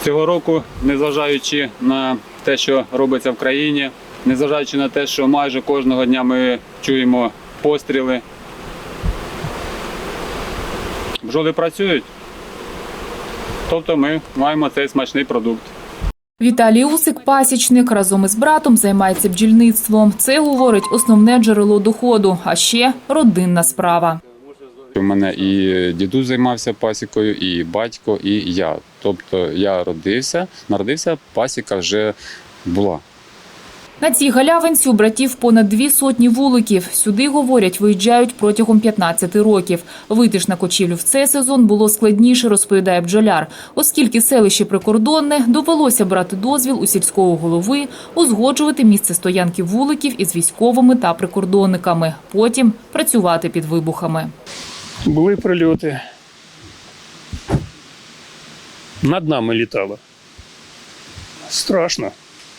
Цього року, незважаючи на те, що робиться в країні, незважаючи на те, що майже кожного дня ми чуємо постріли, бджоли працюють, тобто ми маємо цей смачний продукт. Віталій Усик – пасічник, разом із братом займається бджільництвом. Це, говорить, основне джерело доходу, а ще родинна справа. У мене і дідусь займався пасікою, і батько, і я. Тобто я народився, пасіка вже була. На цій галявинці у братів понад 200 вуликів. Сюди, говорять, виїжджають протягом 15 років. Вийти ж на кочівлю в цей сезон було складніше, розповідає бджоляр. Оскільки селище прикордонне, довелося брати дозвіл у сільського голови, узгоджувати місце стоянки вуликів із військовими та прикордонниками. Потім працювати під вибухами. Були прильоти. Над нами літало. Страшно.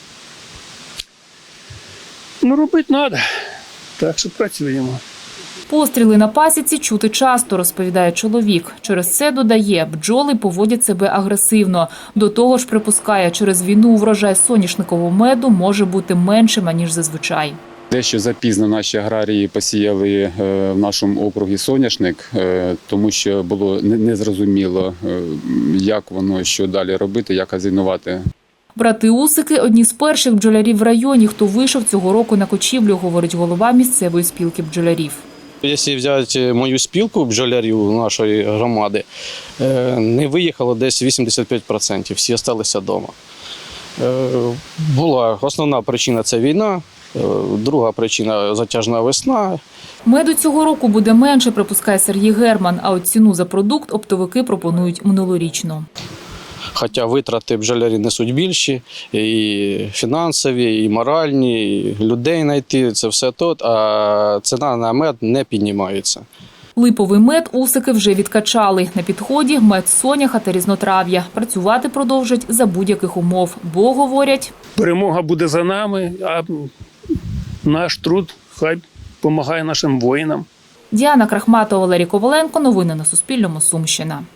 Ну, робити треба. Так що працюємо. Постріли на пасіці чути часто, розповідає чоловік. Через це, додає, бджоли поводять себе агресивно. До того ж, припускає, через війну врожай соняшникового меду може бути меншим, ніж зазвичай. Дещо запізно наші аграрії посіяли в нашому округі соняшник, тому що було незрозуміло, як воно, що далі робити, як азінувати. Брати Усики – одні з перших бджолярів в районі, хто вийшов цього року на кочівлю, говорить голова місцевої спілки бджолярів. Якщо взяти мою спілку бджолярів нашої громади, не виїхало десь 85%, всі залишилися вдома. Була основна причина – це війна, друга причина – затяжна весна. Меду цього року буде менше, припускає Сергій Герман, а от ціну за продукт оптовики пропонують минулорічну. Хоча витрати бджолярі несуть більші, і фінансові, і моральні, і людей знайти – це все тут, а ціна на мед не піднімається. Липовий мед Усики вже відкачали. На підході мед соняха та різнотрав'я. Працювати продовжать за будь-яких умов, бо, говорять, Перемога буде за нами, а наш труд хай допомагає нашим воїнам. Діана Крахматова, Валерій Коваленко. Новини на Суспільному. Сумщина.